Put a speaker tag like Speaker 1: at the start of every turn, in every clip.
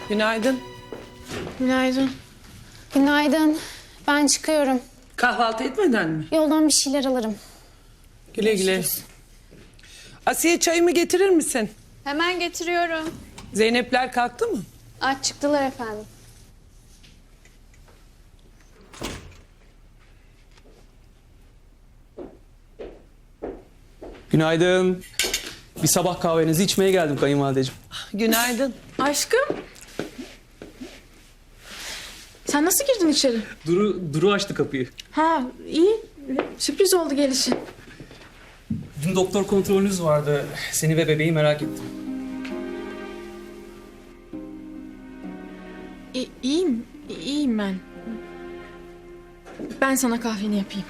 Speaker 1: Günaydın.
Speaker 2: Günaydın.
Speaker 3: Günaydın. Ben çıkıyorum.
Speaker 1: Kahvaltı etmeden mi?
Speaker 3: Yoldan bir şeyler alırım.
Speaker 1: Güle güle. Asiye çayımı getirir misin?
Speaker 2: Hemen getiriyorum.
Speaker 1: Zeynepler kalktı mı?
Speaker 3: Aç çıktılar efendim.
Speaker 4: Günaydın. Bir sabah kahvenizi içmeye geldim kayınvalideciğim.
Speaker 1: Günaydın.
Speaker 2: Aşkım. Sen nasıl girdin içeri?
Speaker 4: Duru açtı kapıyı.
Speaker 2: Ha iyi. Sürpriz oldu gelişin.
Speaker 4: Dün doktor kontrolünüz vardı. Seni ve bebeği merak ettim.
Speaker 2: İyiyim. İyiyim ben. Ben sana kahveni yapayım.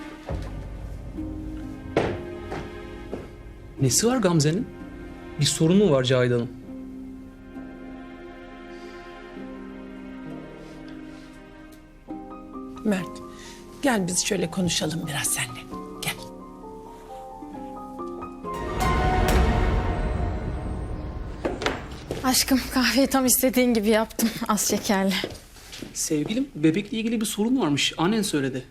Speaker 4: Nesi var Gamze'nin? Bir sorunu mu var Cahide Hanım?
Speaker 1: Mert, gel biz şöyle konuşalım biraz seninle. Gel.
Speaker 2: Aşkım kahveyi tam istediğin gibi yaptım. Az şekerli.
Speaker 4: Sevgilim, bebekle ilgili bir sorun varmış. Annen söyledi.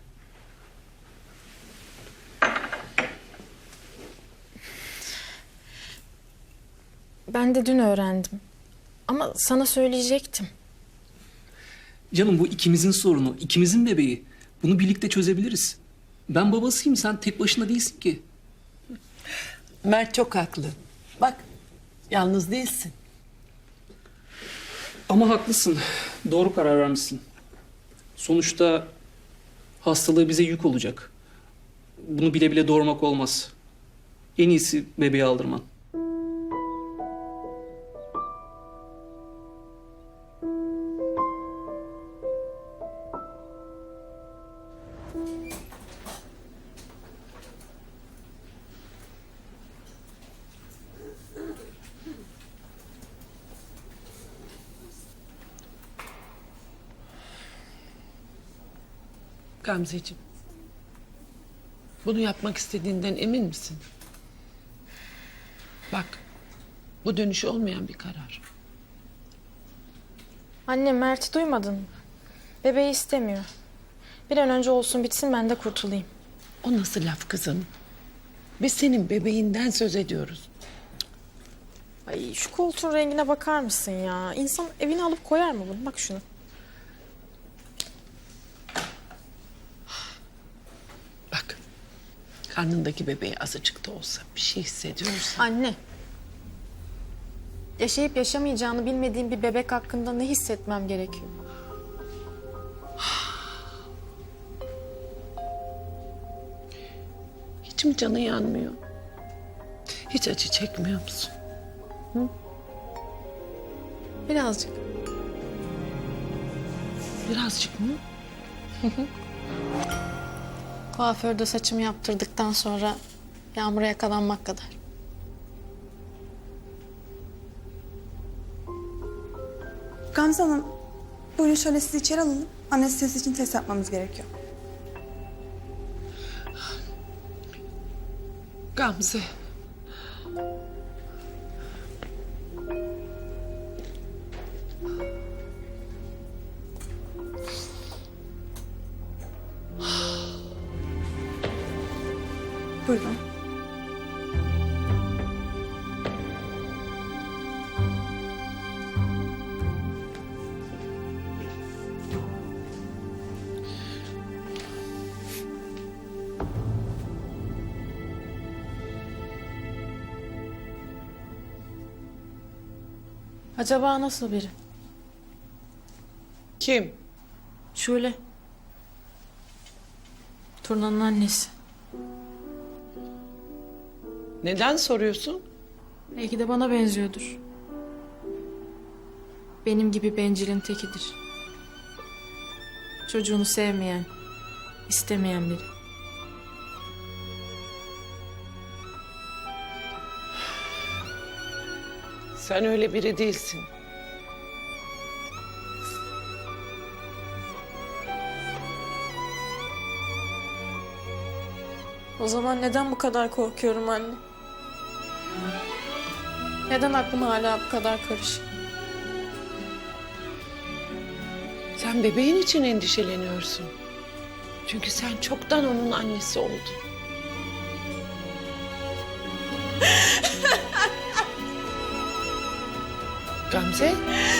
Speaker 2: Ben de dün öğrendim. Ama sana söyleyecektim.
Speaker 4: Canım bu ikimizin sorunu, ikimizin bebeği. Bunu birlikte çözebiliriz. Ben babasıyım, sen tek başına değilsin ki.
Speaker 1: Mert çok haklı. Bak, yalnız değilsin.
Speaker 4: Ama haklısın. Doğru karar vermişsin. Sonuçta hastalığı bize yük olacak. Bunu bile bile doğurmak olmaz. En iyisi bebeği aldırman.
Speaker 1: Gamzeciğim, bunu yapmak istediğinden emin misin? Bak, bu dönüşü olmayan bir karar.
Speaker 2: Anne Mert'i duymadın mı? Bebeği istemiyor. Bir an önce olsun bitsin ben de kurtulayım.
Speaker 1: O nasıl laf kızım? Biz senin bebeğinden söz ediyoruz.
Speaker 2: Ay şu koltuğun rengine bakar mısın ya? İnsan evine alıp koyar mı bunu? Bak şunu.
Speaker 1: Bak, karnındaki bebeği azıcık da olsa bir şey hissediyorsan...
Speaker 2: Anne. Yaşayıp yaşamayacağını bilmediğim bir bebek hakkında ne hissetmem gerekiyor?
Speaker 1: Hiç mi canın yanmıyor? Hiç acı çekmiyor musun?
Speaker 2: Birazcık.
Speaker 1: Birazcık mı?
Speaker 2: Kuaförde saçımı yaptırdıktan sonra yağmura yakalanmak kadar.
Speaker 5: Gamze Hanım, buyurun şöyle sizi içeri alalım. Anestezi için test yapmamız gerekiyor.
Speaker 1: Gamze.
Speaker 5: Buyurun.
Speaker 2: Acaba nasıl biri?
Speaker 1: Kim?
Speaker 2: Şule. Turna'nın annesi.
Speaker 1: Neden soruyorsun?
Speaker 2: Belki de bana benziyordur. Benim gibi bencilin tekidir. Çocuğunu sevmeyen, istemeyen biri.
Speaker 1: Sen öyle biri değilsin.
Speaker 2: O zaman neden bu kadar korkuyorum anne? Neden aklım hala bu kadar karışık?
Speaker 1: Sen bebeğin için endişeleniyorsun. Çünkü sen çoktan onun annesi oldun. Gamze?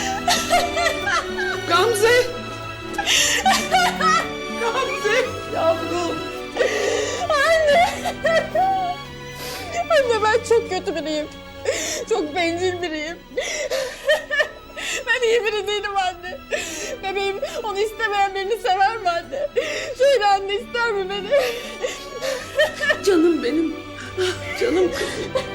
Speaker 1: Gamze! Gamze yavrum.
Speaker 2: Anne ben çok kötü biriyim. Çok bencil biriyim. Ben iyi biri değilim anne. Bebeğim onu istemeyen birini sever mi anne? Söyle anne, ister mi beni?
Speaker 1: Canım benim. Canım kızım.